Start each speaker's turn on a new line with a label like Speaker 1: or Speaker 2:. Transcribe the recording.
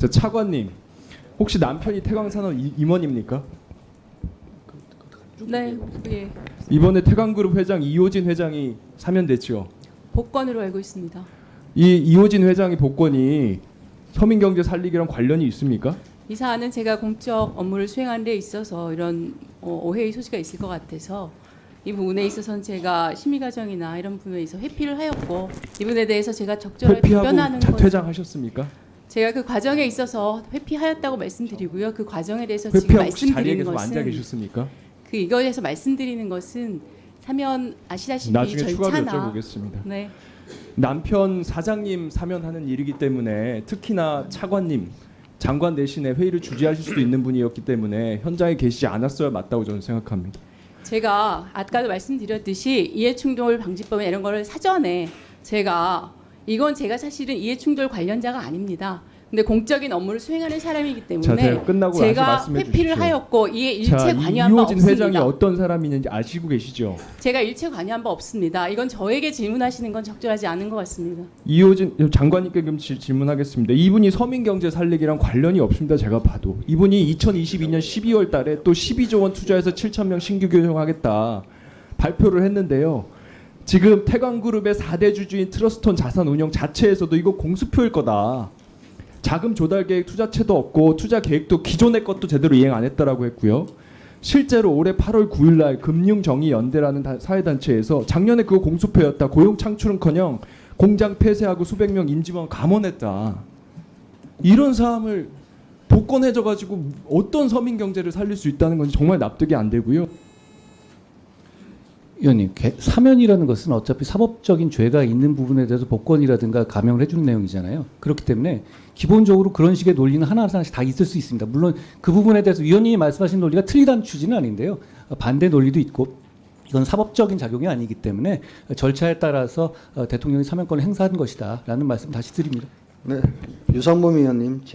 Speaker 1: 저 차관님, 혹시 남편이 태광산업 임원입니까?
Speaker 2: 네, 예.
Speaker 1: 이번에 태광그룹 회장 이호진 회장이 사면됐죠.
Speaker 2: 복권으로 알고 있습니다.
Speaker 1: 이 이호진 회장의 복권이 서민경제 살리기랑 관련이 있습니까?
Speaker 2: 이 사안은 제가 공적 업무를 수행하는 데 있어서 이런 오해의 소지가 있을 것 같아서 이 부분에 있어서는 제가 심의 과정이나 이런 부분에 있어 회피를 하였고 이 부분에 대해서 제가 적절하게 답변하는
Speaker 1: 회피하고
Speaker 2: 것
Speaker 1: 퇴장하셨습니까?
Speaker 2: 제가 그 과정에 있어서 회피하였다고 말씀드리고요. 그 과정에 대해서 지금
Speaker 1: 회피하고 혹시 자리에
Speaker 2: 말씀드리는
Speaker 1: 계속 앉아
Speaker 2: 것은
Speaker 1: 계셨습니까?
Speaker 2: 그 이거에 대해서 말씀드리는 것은 사면 아시다시피
Speaker 1: 나중에 추가로
Speaker 2: 절차나
Speaker 1: 여쭤보겠습니다.
Speaker 2: 네.
Speaker 1: 남편 사장님 사면하는 일이기 때문에 특히나 차관님 장관 대신에 회의를 주재하실 수도 있는 분이었기 때문에 현장에 계시지 않았어야 맞다고 저는 생각합니다.
Speaker 2: 제가 아까도 말씀드렸듯이 이해충돌 방지법에 이런 거를 사전에 제가 이건 제가 사실은 이해충돌 관련자가 아닙니다. 근데 공적인 업무를 수행하는 사람이기
Speaker 1: 자,
Speaker 2: 때문에
Speaker 1: 제가 끝나고
Speaker 2: 제가
Speaker 1: 다시 말씀해
Speaker 2: 회피를
Speaker 1: 주십시오.
Speaker 2: 하였고 이에 일체
Speaker 1: 자,
Speaker 2: 관여한 바
Speaker 1: 이호진 회장이
Speaker 2: 없습니다.
Speaker 1: 어떤 사람이는지 아시고 계시죠?
Speaker 2: 제가 일체 관여한 바 없습니다. 이건 저에게 질문하시는 건 적절하지 않은 것 같습니다.
Speaker 1: 이호진 장관님께 그럼 질문하겠습니다. 이분이 서민경제 살리기랑 관련이 없습니다. 제가 봐도 이분이 2022년 12월 달에 또 12조 원 투자해서 7천 명 신규 교정하겠다 발표를 했는데요. 지금 태광그룹의 4대 주주인 트러스톤 자산운용 자체에서도 이거 공수표일 거다. 자금 조달 계획 투자체도 없고 투자 계획도 기존의 것도 제대로 이행 안 했다라고 했고요. 실제로 올해 8월 9일 날 금융정의연대라는 사회단체에서 작년에 그거 공수표였다. 고용 창출은커녕 공장 폐쇄하고 수백 명 임직원 감원했다. 이런 사람을 복권해줘 가지고 어떤 서민 경제를 살릴 수 있다는 건지 정말 납득이 안 되고요.
Speaker 3: 의원님, 사면이라는 것은 어차피 사법적인 죄가 있는 부분에 대해서 복권이라든가 감형을 해주는 내용이잖아요. 그렇기 때문에 기본적으로 그런 식의 논리는 하나하나씩 다 있을 수 있습니다. 물론 그 부분에 대해서 위원님이 말씀하신 논리가 틀리다는 취지는 아닌데요. 반대 논리도 있고 이건 사법적인 작용이 아니기 때문에 절차에 따라서 대통령이 사면권을 행사한 것이다라는 말씀 다시 드립니다.
Speaker 4: 네, 유상범 의원님.